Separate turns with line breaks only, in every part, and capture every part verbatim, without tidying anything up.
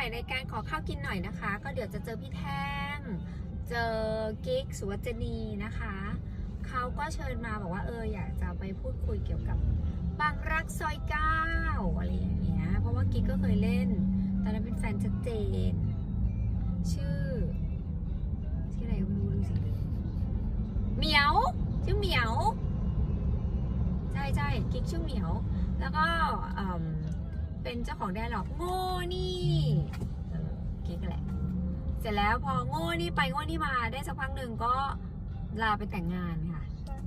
ายรายการขอข้าวกินหน่อยนะคะ ก็เดี๋ยวจะเจอพี่แท่งเจอกิ๊กสุวัจนีนะคะเขาก็เชิญมาบอกว่าเอออยากจะไปพูดคุยเกี่ยวกับบางรักซอยเก้าอะไรอย่างเงี้ยเพราะว่ากิ๊กก็เคยเล่นตอนนั้นเป็นแฟนชัดเจนชื่อชื่ออะไรไม่รู้ดูสิเหมียวชื่อเหมียวใช่ใช่กิ๊กชื่อเหมียวแล้วก็เป็นเจ้าของแดร์ล็อกโง่นี่เออกิ๊กแหละเสร็จแล้วพอโง่นี่ไปโง่นี่มาได้สักพักหนึ่งก็ลาไปแต่งงานค่ะ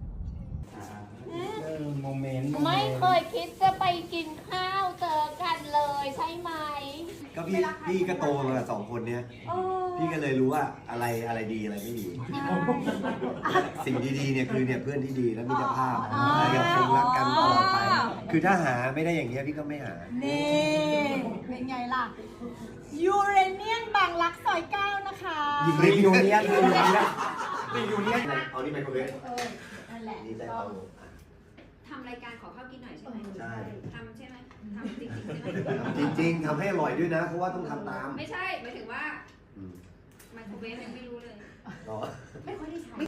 โมเมนต์
ไม่เคยคิดจะไปกินข้าวเจอกันเลยใช่ไหม
ก็พี่พี่ก็โตมากับสองคนเนี้ยพี่ก็เลยรู้ว่าอะไรอะไรดีอะไรไม่ดีสิ่งดีๆเนี่ยคือเนี่ยเพื่อนที่ดีและมิตรภาพอะไรกับคงรักกันตลอดไปคือถ้าหาไม่ได้อย่างเงี้ยพี่ก็ไม่หา
นี่เป็นไงล่ะยูเรเนียนบางรักซอยเก้านะคะ
ยิงยูเนียนยูเนียนยิงยูเนียนเอานี่ไปคนเล็ก
นั่นแหละ
นี่ใจเอา
ทำรายการขอข้าวกินหน่อยใช่ไหม
ใช่
ทำใช่ไหมทำจริงๆใช่ไหม
จริงๆทำให้อร่อยด้วยนะเพราะว่าต้องทำตาม
ไม่ใช่หมายถึงว่าไมโครเวฟยังไม่รู้เลย
ไม่ค่อยได้ใช้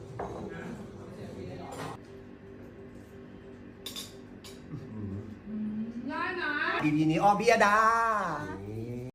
ง่ายนะ
อีพีนี้อ้อพิยดา